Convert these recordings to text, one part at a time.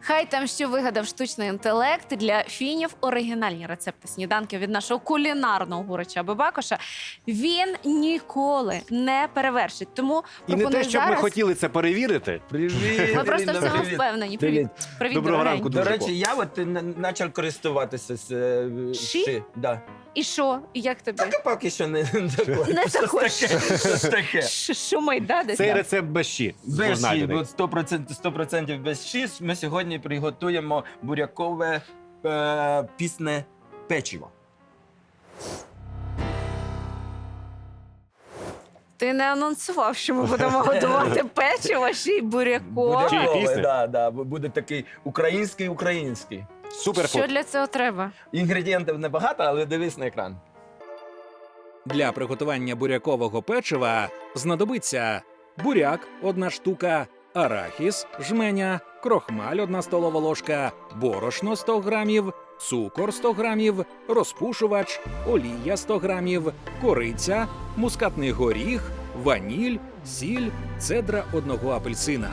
Хай там що вигадав штучний інтелект для фінів оригінальні рецепти сніданків від нашого кулінарного гурача Бабакоша. Він ніколи не перевершить. Тому І не пропоную те, щоб ми зараз. хотіли це перевірити. Привіт! Ми просто в цьому Привіт. впевнені. Привіт. Привіт, Доброго дорогенький. ранку, До дуже речі, я от почав користуватися Ши? Да. І що? І як тобі? Так, а поки що не такое. Не такое. Щось таке. Шумить, да, десь? Цей там? рецепт без щі. Без Знаєте, щі, так. от 100% без щі. Ми сьогодні приготуємо бурякове пісне печиво. Ти не анонсував, що ми будемо готувати печиво, ще й бурякове. Чи пісне? Да. Буде такий український. Суперфуд. Що для цього треба? Інгредієнтів небагато, але дивись на екран. Для приготування бурякового печива знадобиться буряк – 1 штука, арахіс – жменя, крохмаль – 1 столова ложка, борошно – 100 грамів, цукор – 100 грамів, розпушувач, олія – 100 грамів, кориця, мускатний горіх, ваніль, сіль, цедра 1 апельсина.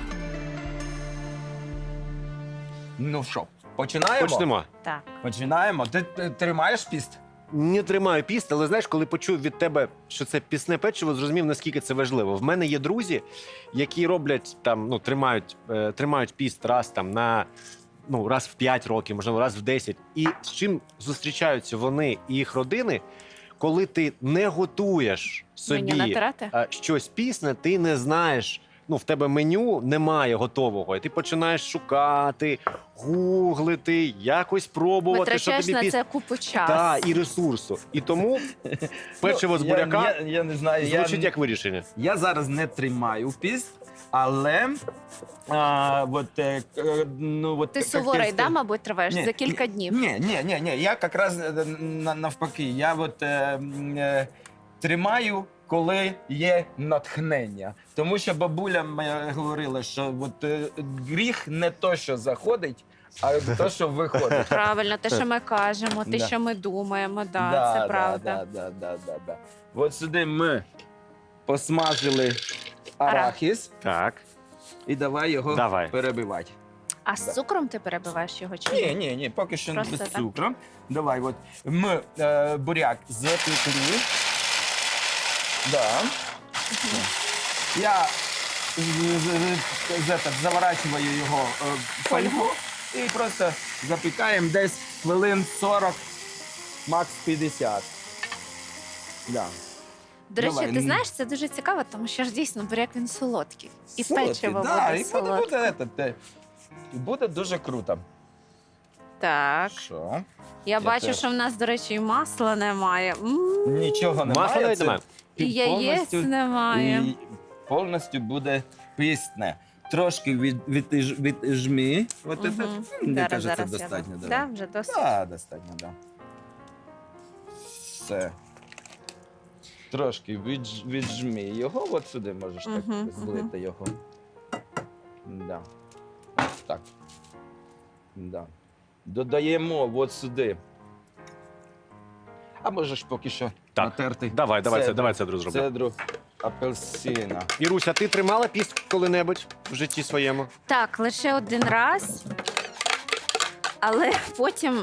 Ну що, починаємо? Почнемо. Так. Починаємо. Ти тримаєш піст? Не тримаю піст, але знаєш, коли почув від тебе, що це пісне печиво, зрозумів, наскільки це важливо. В мене є друзі, які роблять там, ну, тримають піст раз раз в 5 років, можливо, раз в 10. І з чим зустрічаються вони і їх родини, коли ти не готуєш Мені собі натирати? щось пісне, ти не знаєш. Ну, в тебе меню немає готового, і ти починаєш шукати, гуглити, якось пробувати, що Витрачаєш тобі на це купу часу. та, і ресурсу. І тому печиво з буряка Я не знаю. звучить як вирішення. Я зараз не тримаю піст, але Ти суворий, да, мабуть, триваєш за кілька днів. Ні. Я якраз навпаки. Я тримаю, коли є натхнення. Тому що бабуля моя говорила, що гріх не то, що заходить, а те, що виходить. Правильно, те, що ми кажемо, те, Да. що ми думаємо, да, це правда. Да. От сюди ми посмажили арахіс Так. і давай його перебивати. А з цукром ти перебиваєш його чи ні? Ні, поки що Просто без так? цукру. Давай, ми буряк запекли. Да. Я заворачиваю його в фольгу і просто запікаємо десь хвилин 40, макс 50. Да. До речі, Давай. ти знаєш, це дуже цікаво, тому що ж дійсно буряк він солодкий. І печиво да, буде і солодке. буде дуже круто. Так, Що? я бачу, теж. що в нас, до речі, і масла немає. Нічого немає. Масла навіть це немає. І яєць повністю- немає. І повністю буде пісне. Трошки віджми. От це, мені кажеться, Зараз достатньо. я... давай. Да, вже досить. Так, достатньо, так. Все. Трошки віджми його, от сюди можеш так Мгм, злити його. Да. Ось так. Да. Додаємо от сюди. А можеш поки що Так. натерти Давай це зроблю. цедру апельсина. Іруся, ти тримала піст коли-небудь в житті своєму? Так, лише один раз. Але потім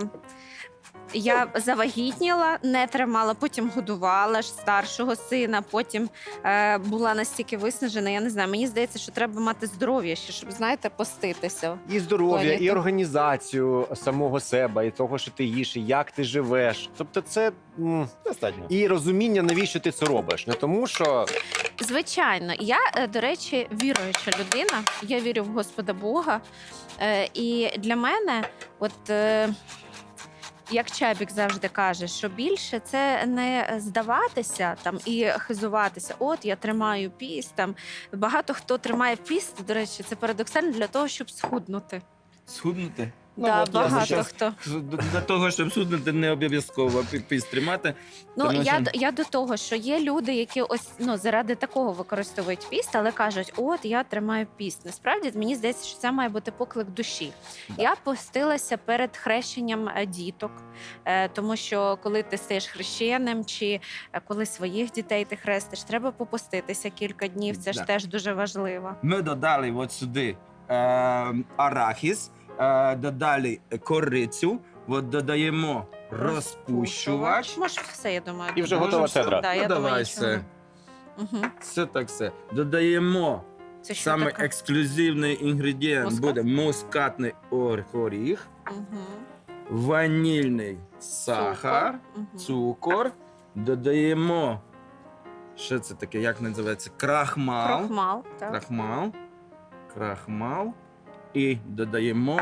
я завагітніла, не тримала, потім годувала ж старшого сина, потім була настільки виснажена, я не знаю, мені здається, що треба мати здоров'я ще, щоб, знаєте, поститися. І здоров'я, Туалету. і організацію самого себе, і того, що ти їш, і як ти живеш. Тобто це Достатньо. і розуміння, навіщо ти це робиш. Не тому, що Звичайно, я, до речі, віруюча людина, я вірю в Господа Бога. І для мене, як Чабік завжди каже, що більше це не здаватися там і хизуватися. От я тримаю піст. Там багато хто тримає піст. До речі, це парадоксально для того, щоб схуднути. Схуднути? Да, от я багато зараз хто. Для того, щоб схуднути, не обов'язково піст тримати. Ну Тому я до того, що є люди, які заради такого використовують піст, але кажуть, от я тримаю піст. Насправді мені здається, що це має бути поклик душі. Да. Я постилася перед хрещенням діток, тому що коли ти стаєш хрещеним, чи коли своїх дітей ти хрестиш, треба попуститися кілька днів. Це ж Да. теж дуже важливо. Ми додали от сюди арахіс, додали корицю, от додаємо розпущувач. Може, все, я думаю. І вже додамо. готова все? цедра. Да, Ну, я давай думаю, все. Угу. Все так все. Додаємо Це що саме таке? ексклюзивний інгредієнт Мускат? буде мускатний горіх, Угу. ванільний сахар, цукор. Додаємо, що це таке, як називається? Крахмал. Крохмал, так. Крахмал. І додаємо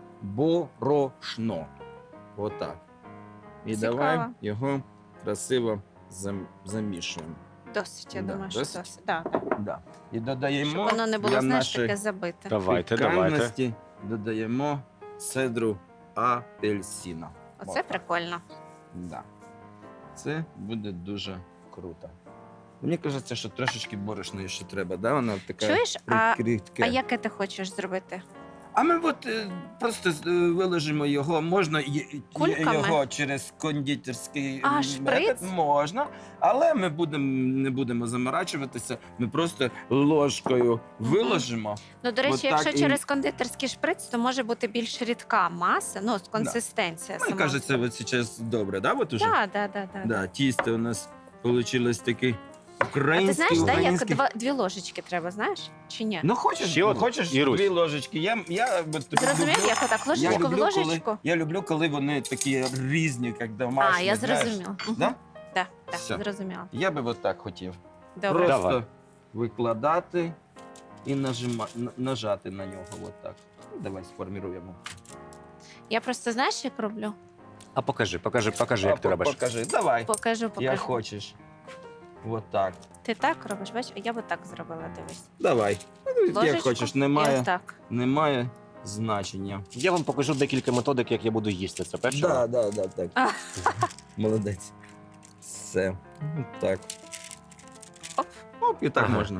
борошно. Отак. І Цікаво. давай його красиво замішуємо. Досить, я Да, думаю, що досить? досить. Да, да. Да. І додаємо Щоб воно не було, для знаєш, нашої таке забите. Давайте. пікантності, додаємо цедру апельсина. Оце прикольно. Да. Це буде дуже круто. Мені кажеться, що трошечки борошна ще треба, да? Вона така Чуєш, прикритке. а яке ти хочеш зробити? А ми от просто виложимо його, можна Кульками? його через кондитерський А, метод, шприц? можна, але ми не будемо заморачуватися, ми просто ложкою виложимо. Ну, до речі, От так якщо і- через кондитерський шприц, то може бути більш рідка маса, ну, консистенція. Мені кажеться, от зараз добре, да? От уже? Так, так. Да, тісто у нас вийшло таке А ти українське. знаєш, як дві ложечки треба, знаєш? Чи ні? Ну, хочеш, Ще одну? хочеш Ірусь. 2 ложечки. Я от Зрозумів, люблю- як отак я ложечку в люблю, ложечку? я люблю, коли вони такі різні, як домашні. А, я знаєш. зрозуміла. Мгм. Да? Так, Все. зрозуміла. Я би от так хотів. Добре. Просто Давай. викладати і нажати на нього. От так. Ну, давай сформіруємо. Я просто знаєш, як роблю? А покажи, як ти робиш. Покажи, давай. Покажу. Як хочеш. От так. Ти так робиш, бачиш? А я би так зробила, дивись. Давай. Ну, як Ложечку хочеш, і отак. немає значення. Я вам покажу декілька методик, як я буду їсти це печиво. Да, так. А. Молодець. Все. Так. Оп. Оп, і так Ага. можна.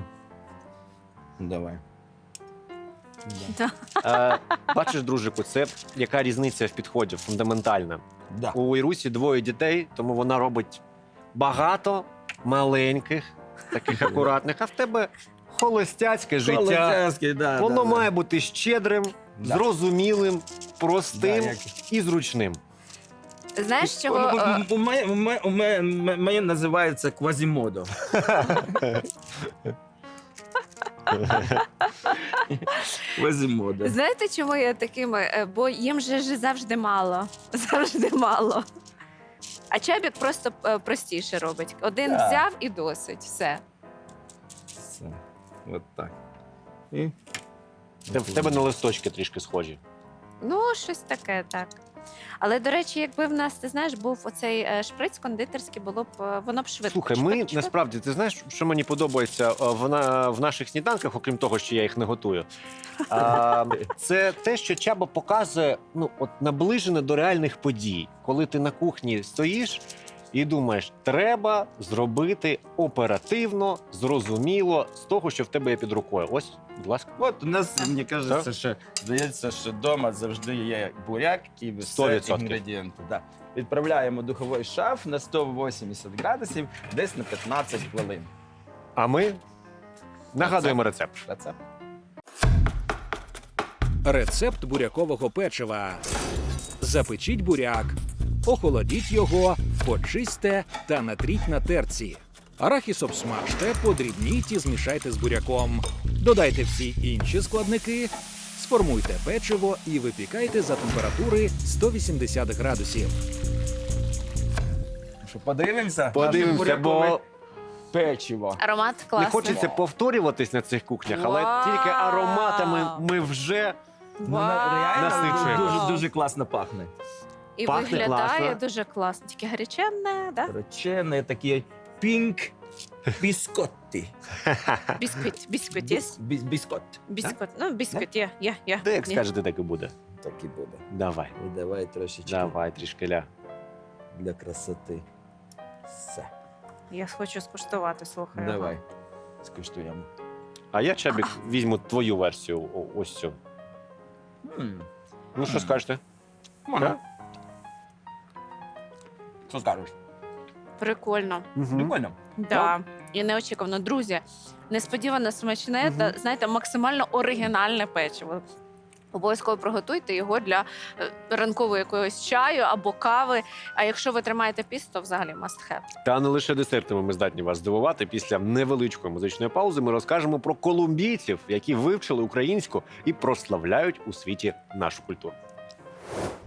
Давай. Бачиш, дружику, це яка різниця в підході фундаментальна. Да. У Ірусі 2 дітей, тому вона робить багато маленьких, таких акуратних, а в тебе холостяцьке життя. Холостяцький, да, Воно да, має бути щедрим, Да. зрозумілим, простим Да, як- і зручним. Знаєш, чого? Моє називається квазімодо. Квазімодо. Знаєте, чому я такими? Бо їм же ж завжди мало. Завжди мало. А чабік просто простіше робить. Один Так. взяв і досить. Все. Все. От так. І... В тебе на листочки трішки схожі. Ну, щось таке, так. Але, до речі, якби в нас, ти знаєш, був оцей шприц кондитерський, було б воно б швидко. Слухай, ми насправді, ти знаєш, що мені подобається в наших сніданках, окрім того, що я їх не готую. Це те, що Чаба показує, ну, от наближене до реальних подій. Коли ти на кухні стоїш і думаєш, треба зробити оперативно, зрозуміло, з того, що в тебе є під рукою. Ось, будь ласка. От у нас, мені кажеться, що здається, що вдома завжди є буряк і все 100%. інгредієнти. Да. Відправляємо в духовий шаф на 180 градусів десь на 15 хвилин. А ми нагадуємо рецепт. Рецепт. Рецепт бурякового печива. Запечіть буряк, охолодіть його, почистьте та натріть на терці. Арахіс обсмажте, подрібніть і змішайте з буряком. Додайте всі інші складники, сформуйте печиво і випікайте за температури 180 градусів. Що, подивимося? Подивимося, Наше бурякове бо печиво. Аромат не класний. хочеться повторюватись на цих кухнях, але Вау! тільки ароматами ми вже Ну, реально Насичуємо. дуже класно пахне. І Пахне виглядає класно. дуже класно. Тільки гаряченне, да? Речене такі пінк біскотти. Бісквіт, єс? Біскот. Бісквіт. Ну, бісквіт, є. де як Є. скажете, так і буде. Так і буде. Давай, І давай трошечки давай, трішки ля. для красоти. Все. Я хочу скуштувати, слухай. Давай. Скуштуємо. А я, Чабік, візьму твою версію, ось цю. Ну, що скажете? Ага. Що скажеш? Прикольно. Прикольно. Да. і неочікувано. Друзі, несподівано смачне та, знаєте, максимально оригінальне печиво. Обов'язково приготуйте його для ранкового якогось чаю або кави. А якщо ви тримаєте піст, то взагалі must have. Та не лише десертами ми здатні вас здивувати. Після невеличкої музичної паузи ми розкажемо про колумбійців, які вивчили українську і прославляють у світі нашу культуру.